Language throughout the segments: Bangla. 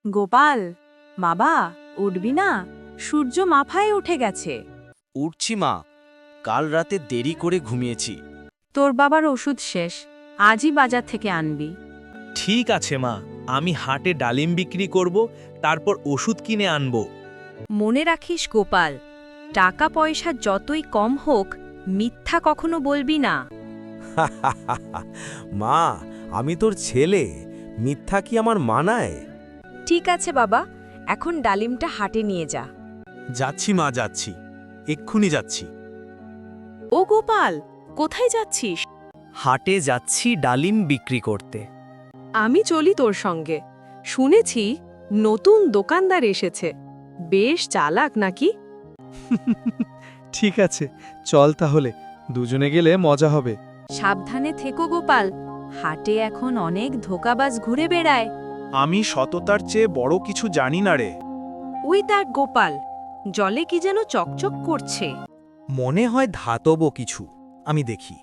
গোপাল, বাবা, উঠবি না? সূর্য মাথায় উঠে গেছে। উঠছি মা, কাল রাতে দেরি করে ঘুমিয়েছি। তোর বাবার ওষুধ শেষ, আজই বাজার থেকে আনবি। ঠিক আছে মা, আমি হাটে ডালিম বিক্রি করব, তারপর ওষুধ কিনে আনব। মনে রাখিস গোপাল, টাকা পয়সা যতই কম হোক, মিথ্যা কখনো বলবি না। মা, আমি তোর ছেলে, মিথ্যা কি আমার মানায়? ঠিক আছে বাবা, এখন ডালিমটা হাটে নিয়ে যা। যাচ্ছি মা, যাচ্ছি, এক্ষুনি যাচ্ছি। ও গোপাল, কোথায় যাচ্ছিস? হাটে যাচ্ছি ডালিম বিক্রি করতে। আমি চলি তোর সঙ্গে। শুনেছি নতুন দোকানদার এসেছে, বেশ চালাক নাকি? ঠিক আছে, চল তাহলে, দুজনে গেলে মজা হবে। সাবধানে থেকো গোপাল, হাটে এখন অনেক ধোঁকাবাজ ঘুরে বেড়ায়। আমি সততার চেয়ে বড় কিছু জানি না রে। ওই দেখ গোপাল, জলে কি যেন চকচক করছে। মনে হয় ধাতব কিছু, আমি দেখি।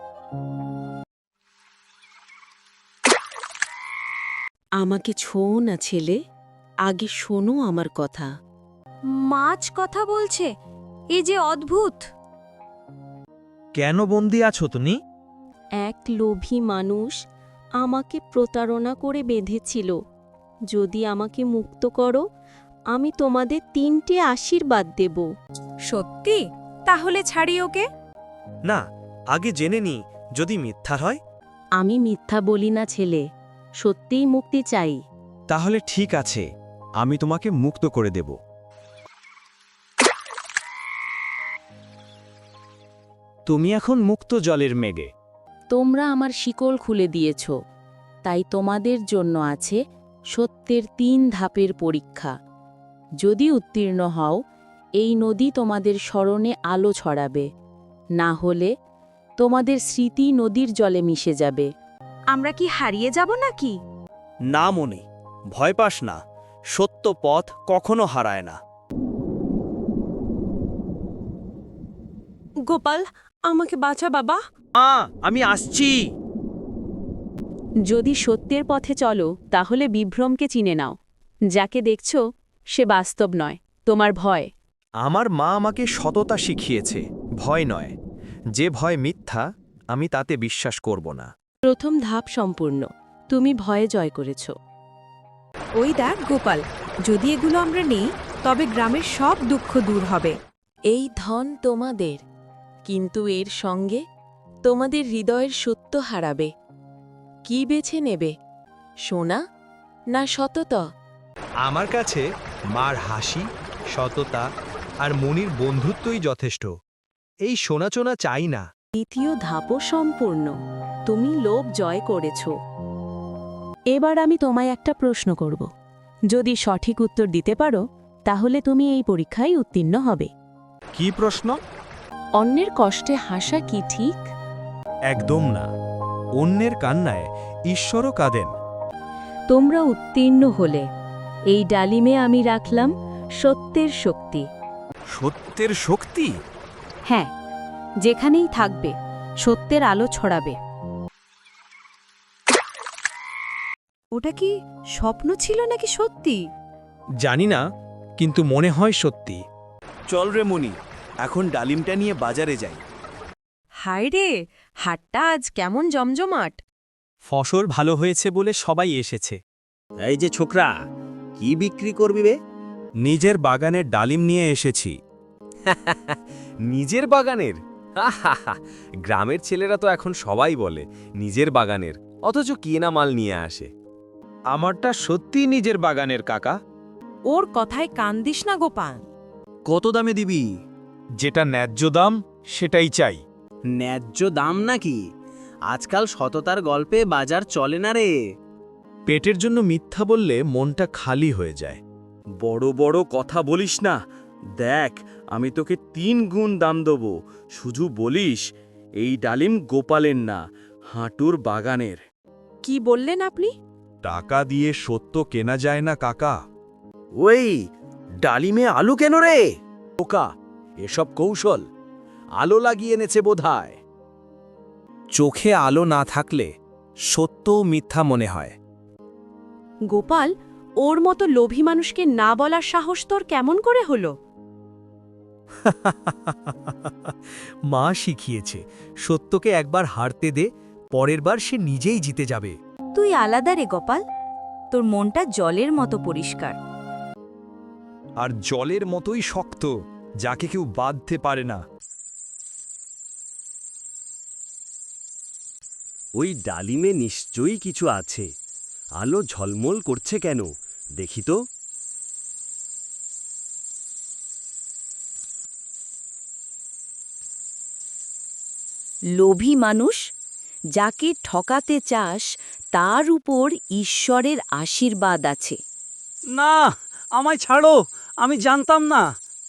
আমাকে ছোঁও না ছেলে, আগে শোনো আমার কথা। মাছ কথা বলছে, এ যে অদ্ভুত। কেন বন্দি আছো তুমি? এক লোভী মানুষ আমাকে প্রতারণা করে বেঁধেছিল। যদি আমাকে মুক্ত করো, আমি তোমাদের 3টে আশীর্বাদ দেব। সত্যি? তাহলে ছাড়ি ওকে। না, আগে জেনে নি যদি মিথ্যা হয়। আমি মিথ্যা বলি না ছেলে, সত্যিই মুক্তি চাই। তাহলে ঠিক আছে, আমি তোমাকে মুক্ত করে দেব। তুমি এখন মুক্ত জলের মেঘে। তোমরা আমার শিকল খুলে দিয়েছ, তাই তোমাদের জন্য আছে সত্যের 3 ধাপের পরীক্ষা। যদি উত্তীর্ণ হও, এই নদী তোমাদের স্মরণে আলো ছড়াবে, না হলে তোমাদের স্মৃতি নদীর জলে মিশে যাবে। আমরা কি হারিয়ে যাব নাকি? না মনি, ভয় পাস না, সত্য পথ কখনো হারায় না। গোপাল, আমাকে বাঁচা বাবা। আমি আসছি। যদি সত্যের পথে চলো, তাহলে বিভ্রমকে চিনে নাও। যাকে দেখছ সে বাস্তব নয়, তোমার ভয়। আমার মা আমাকে সততা শিখিয়েছে, ভয় নয়। যে ভয় মিথ্যা, আমি তাতে বিশ্বাস করব না। প্রথম ধাপ সম্পূর্ণ, তুমি ভয়ে জয় করেছ। ওই দেখ গোপাল, যদি এগুলো আমরা নেই, তবে গ্রামের সব দুঃখ দূর হবে। এই ধন তোমাদের, কিন্তু এর সঙ্গে তোমাদের হৃদয়ের সত্য হারাবে। কি বেছে নেবে, সোনা না সততা? আমার কাছে মার হাসি, সততা আর মনির বন্ধুত্বই যথেষ্ট। এই সোনাচোনা চাই না। দ্বিতীয় ধাপও সম্পূর্ণ, তুমি লোভ জয় করেছ। এবার আমি তোমায় একটা প্রশ্ন করব। যদি সঠিক উত্তর দিতে পারো, তাহলে তুমি এই পরীক্ষায় উত্তীর্ণ হবে। কি প্রশ্ন? অন্যের কষ্টে হাসা কি ঠিক? একদম না। অন্যের কান্নায় ঈশ্বরও কাঁদেন। তোমরা উত্তীর্ণ হলে এই ডালিমে আমি রাখলাম সত্যের শক্তি। সত্যের শক্তি? হ্যাঁ, যেখানেই থাকবে সত্যের আলো ছড়াবে। ওটা কি স্বপ্ন ছিল নাকি সত্যি? জানি না, কিন্তু মনে হয় সত্যি। চল রে মনি, এখন ডালিমটা নিয়ে বাজারে যাই। হায় রে, হাটটা আজ কেমন জমজমাট। ফসল ভালো হয়েছে বলে সবাই এসেছে। এই যে ছোকরা, কি বিক্রি করবি বে? নিজের বাগানের ডালিম নিয়ে এসেছি। নিজের বাগানের? গ্রামের ছেলেরা তো এখন সবাই বলে নিজের বাগানের, অথচ কেনা মাল নিয়ে আসে। আমারটা সত্যিই নিজের বাগানের কাকা। ওর কথায় কান দিস না গোপাল। কত দামে দিবি? যেটা ন্যায্য দাম সেটাই চাই। ন্যায্য দাম নাকি? আজকাল সততার গল্পে বাজার চলে না রে। পেটের জন্য মিথ্যা বললে মনটা খালি হয়ে যায়। বড় বড় কথা বলিস না। দেখ, আমি তোকে 3 গুণ দাম দেবো, শুধু বলিস এই ডালিম গোপালের না, হাঁটুর বাগানের। কি বললেন আপনি? টাকা দিয়ে সত্য কেনা যায় না কাকা। ওই ডালিমে আলু কেন রে? বোকা, এসব কৌশল। আলো লাগিয়ে এনেছে বোধহয়। চোখে আলো না থাকলে সত্যও মিথ্যা মনে হয়। গোপাল, ওর মতো লোভী মানুষকে না বলার সাহস তোর কেমন করে হলো? মা শিখিয়েছে সত্যকে একবার হারতে দে, পরের বার সে নিজেই জিতে যাবে। তুই আলাদা রে গোপাল, তোর মনটা জলের মতো পরিষ্কার। আর জলের মতোই শক্ত, যাকে কেউ বাঁধতে পারে না। ওই ডালিমে নিশ্চয়ই কিছু আছে। আলো ঝলমল করছে কেন, দেখি তো। লোভী মানুষ, যাকে ঠকাতে চাস তার উপর ঈশ্বরের আশীর্বাদ আছে। না, আমায় ছাড়ো, আমি জানতাম না।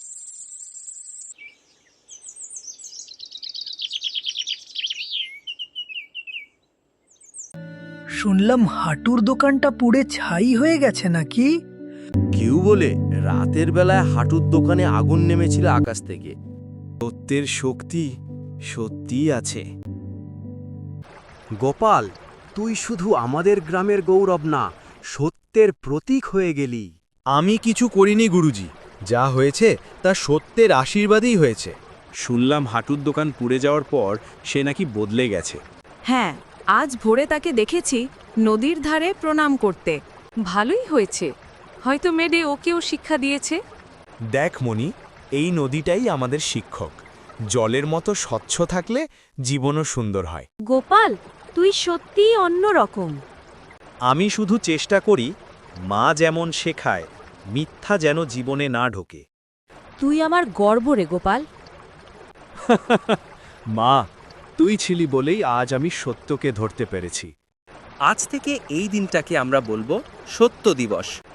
শুনলাম হাঁটুর দোকানটা পুড়ে ছাই হয়ে গেছে নাকি? কেউ বলে রাতের বেলায় হাঁটুর দোকানে আগুন নেমেছিল আকাশ থেকে। সত্যের শক্তি সত্যিই আছে। গোপাল, তুই শুধু আমাদের গ্রামের গৌরব না, সত্যের প্রতীক হয়ে গেলি। আমি কিছু করিনি গুরুজি, যা হয়েছে তা সত্যের আশীর্বাদই হয়েছে। শুনলাম হাঁটুর দোকান পুড়ে যাওয়ার পর সে নাকি বদলে গেছে। হ্যাঁ, আজ ভোরে তাকে দেখেছি নদীর ধারে প্রণাম করতে। ভালোই হয়েছে, হয়তো মেডে ওকেও শিক্ষা দিয়েছে। দেখ মণি, এই নদীটাই আমাদের শিক্ষক। জলের মতো স্বচ্ছ থাকলে জীবনও সুন্দর হয়। গোপাল, তুই সত্যিই অন্যরকম। আমি শুধু চেষ্টা করি মা যেমন শেখায়, মিথ্যা যেন জীবনে না ঢোকে। তুই আমার গর্ব রে গোপাল। মা, তুই ছিলি বলেই আজ আমি সত্যকে ধরতে পেরেছি। আজ থেকে এই দিনটাকে আমরা বলবো সত্য দিবস।